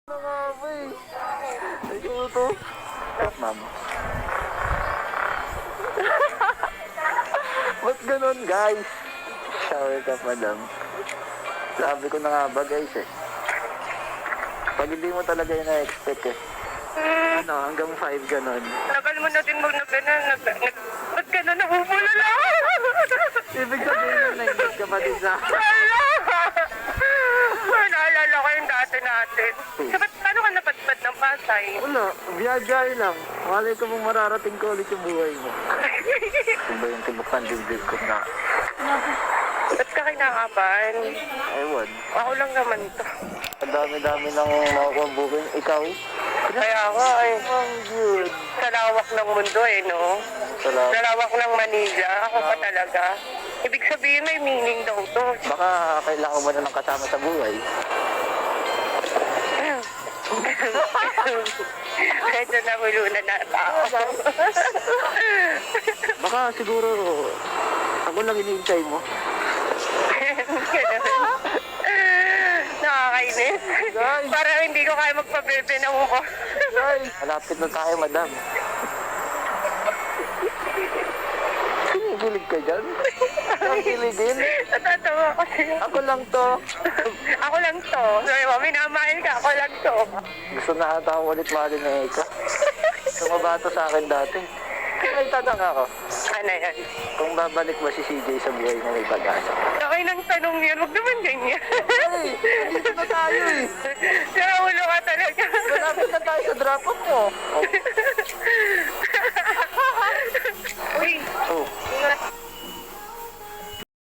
Nangamoy. Ikaw to. Ma'am. Ba't ganun, guys? Shower ka, madam. Sabi ko na nga ba, guys, eh. Pag hindi mo talaga yung na-expect, eh. Ano, hanggang 5 ganun. Tagal mo na din ba't ka na nahubulala? Ibig sabihin na naingat ka pa din sa... Naalala ko yung dati natin. Paano ka napadpad ng Pasay? Wala, biyagay lang. Malay ko mong mararating ko ulit yung buhay mo. Kung ba yung tibok ng dibdib ko na? Ba't ka kinakabahan? Ewan. Ako lang naman to. Ang dami-dami ng makukuha booking. Ikaw? Kaya nga eh. Ang good. Sa lawak ng mundo eh, no? Salamat. Sa lawak ng Manila, ako pa talaga. Ibig sabihin may meaning daw to. Baka kailangan mo na ng kasama sa buhay. Medyo nahulunan na tao. Baka siguro ako lang iniintay mo. Nakakainis. Guys. Parang hindi ko kaya magpabebe ng uko. Guys, malapit na tayo, madam. Kinikilig ka dyan? Ang kiligin? Natatawa ko sa'yo. Ako lang to. Ako lang to. Sorry mo, minamahin ka. Ako lang to. Gusto na ata ako ulit mahalin na ikaw. Sumabato sa akin dati. May tanong ako. Ano yan? Kung babalik ba si CJ sa buhay na may pag-asa? Okay nang tanong yan. Huwag naman ganyan. Ay, dito na tayo eh. Nakaulo ka talaga. Malapit na tayo sa drop-off mo. Uy, Oh. ingat.